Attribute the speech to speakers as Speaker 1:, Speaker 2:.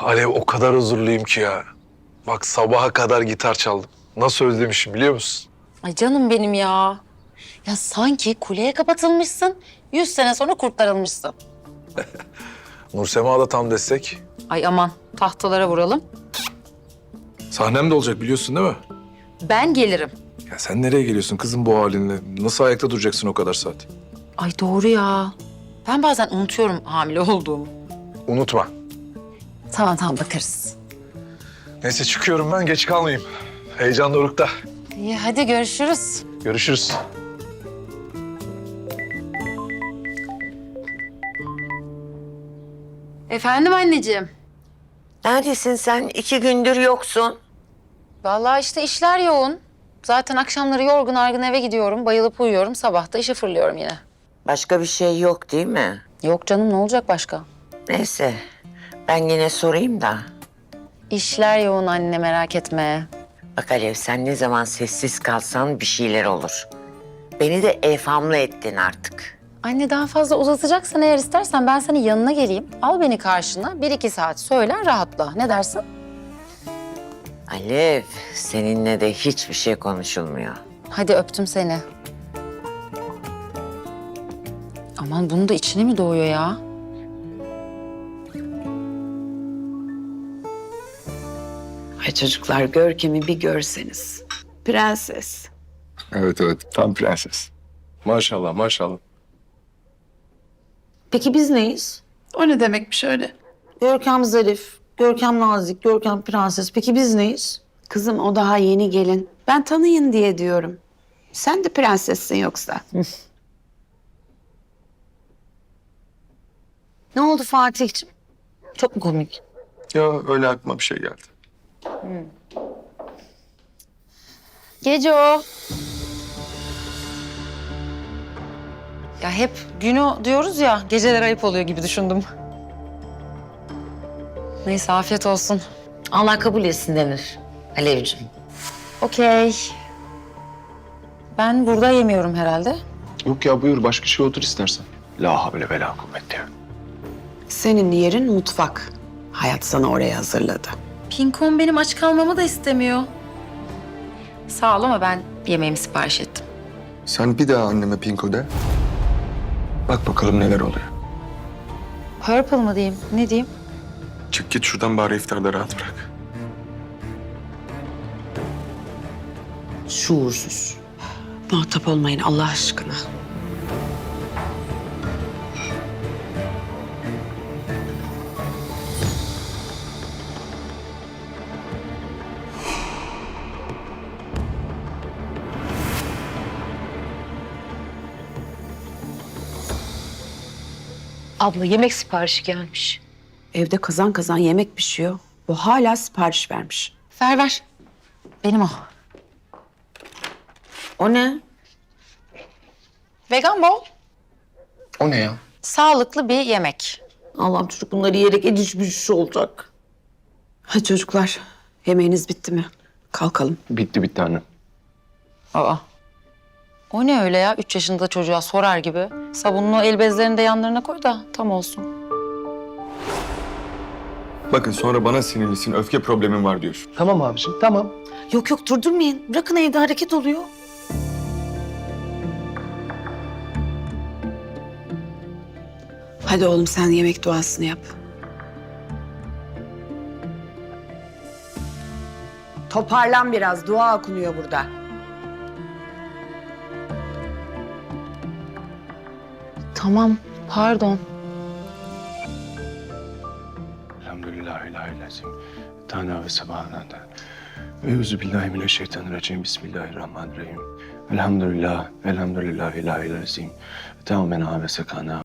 Speaker 1: Alev o kadar huzurluyum ki ya. Bak sabaha kadar gitar çaldım. Nasıl özlemişim biliyor musun?
Speaker 2: Ay canım benim ya. Ya sanki kuleye kapatılmışsın, 100 sene sonra kurtarılmışsın.
Speaker 1: Nursema da tam destek.
Speaker 2: Ay aman, tahtalara vuralım.
Speaker 1: Sahnem de olacak biliyorsun değil mi?
Speaker 2: Ben gelirim.
Speaker 1: Ya sen nereye geliyorsun kızım bu halinle? Nasıl ayakta duracaksın o kadar saat?
Speaker 2: Ay doğru ya. Ben bazen unutuyorum hamile olduğumu.
Speaker 1: Unutma.
Speaker 2: Tamam bakarız.
Speaker 1: Neyse çıkıyorum ben geç kalmayayım. Heyecan dorukta.
Speaker 2: İyi hadi görüşürüz.
Speaker 1: Görüşürüz.
Speaker 2: Efendim anneciğim.
Speaker 3: Neredesin sen? 2 gündür yoksun.
Speaker 2: Vallahi işte işler yoğun. Zaten akşamları yorgun argın eve gidiyorum. Bayılıp uyuyorum. Sabah da işe fırlıyorum yine.
Speaker 3: Başka bir şey yok değil mi?
Speaker 2: Yok canım ne olacak başka?
Speaker 3: Neyse, ben yine sorayım da.
Speaker 2: İşler yoğun anne merak etme.
Speaker 3: Bak Alev, sen ne zaman sessiz kalsan bir şeyler olur. Beni de evhamlı ettin artık.
Speaker 2: Anne daha fazla uzatacaksan eğer istersen ben senin yanına geleyim. Al beni karşına. 1-2 saat söyler rahatla. Ne dersin?
Speaker 3: Alev, seninle de hiçbir şey konuşulmuyor.
Speaker 2: Hadi öptüm seni. Aman bunun da içine mi doğuyor ya?
Speaker 4: Ay çocuklar Görkem'i bir görseniz. Prenses.
Speaker 5: Evet tam prenses. Maşallah maşallah.
Speaker 6: Peki biz neyiz?
Speaker 4: O ne demekmiş öyle?
Speaker 6: Görkem zarif, Görkem nazik, Görkem prenses. Peki biz neyiz?
Speaker 4: Kızım o daha yeni gelin. Ben tanıyın diye diyorum. Sen de prensessin yoksa.
Speaker 6: Ne oldu Fatih'ciğim? Çok mu komik?
Speaker 5: Ya öyle aklıma bir şey geldi.
Speaker 2: Gece o. Ya hep günü diyoruz ya, geceler ayıp oluyor gibi düşündüm. Neyse afiyet olsun.
Speaker 6: Allah kabul etsin denir Alevciğim.
Speaker 2: Okey. Ben burada yemiyorum herhalde.
Speaker 5: Yok ya buyur başka şey otur istersen. La havle ve la kuvvete.
Speaker 4: Senin yerin mutfak. Hayat sana oraya hazırladı.
Speaker 2: Pinkon benim aç kalmamı da istemiyor. Sağ ol ama ben yemeğimi sipariş ettim.
Speaker 5: Sen bir daha anneme pinko de. Bak bakalım neler oluyor.
Speaker 2: Purple mı diyeyim, ne diyeyim?
Speaker 5: Çık git şuradan bari iftarda rahat bırak.
Speaker 6: Şuursuz.
Speaker 4: Muhatap olmayın Allah aşkına.
Speaker 7: Abla yemek siparişi gelmiş.
Speaker 4: Evde kazan kazan yemek pişiyor. Bu hala sipariş vermiş.
Speaker 2: Ver. Benim o.
Speaker 6: O ne?
Speaker 2: Vegan bol.
Speaker 5: O ne ya?
Speaker 2: Sağlıklı bir yemek.
Speaker 6: Allah'ım çocuk bunları yiyerek ediş bücüş olacak.
Speaker 4: Hadi çocuklar yemeğiniz bitti mi? Kalkalım.
Speaker 5: Bitti anne.
Speaker 2: Aa. O ne öyle ya? 3 yaşında çocuğa sorar gibi. Sabunlu el bezlerini de yanlarına koy da tam olsun.
Speaker 5: Bakın sonra bana sinirlisin öfke problemin var diyorsun.
Speaker 8: Tamam abiciğim, tamam.
Speaker 6: Yok durdurmayın. Bırakın evde hareket oluyor.
Speaker 4: Hadi oğlum sen yemek duasını yap. Toparlan biraz. Dua okunuyor burada.
Speaker 2: Tamam, pardon.
Speaker 5: Elhamdülillahirrahmanirrahim. Tana ve sabahından. Euzubillahimineşşeytanirracim. Bismillahirrahmanirrahim. Elhamdülillahirrahmanirrahim. Tamamen ve sekana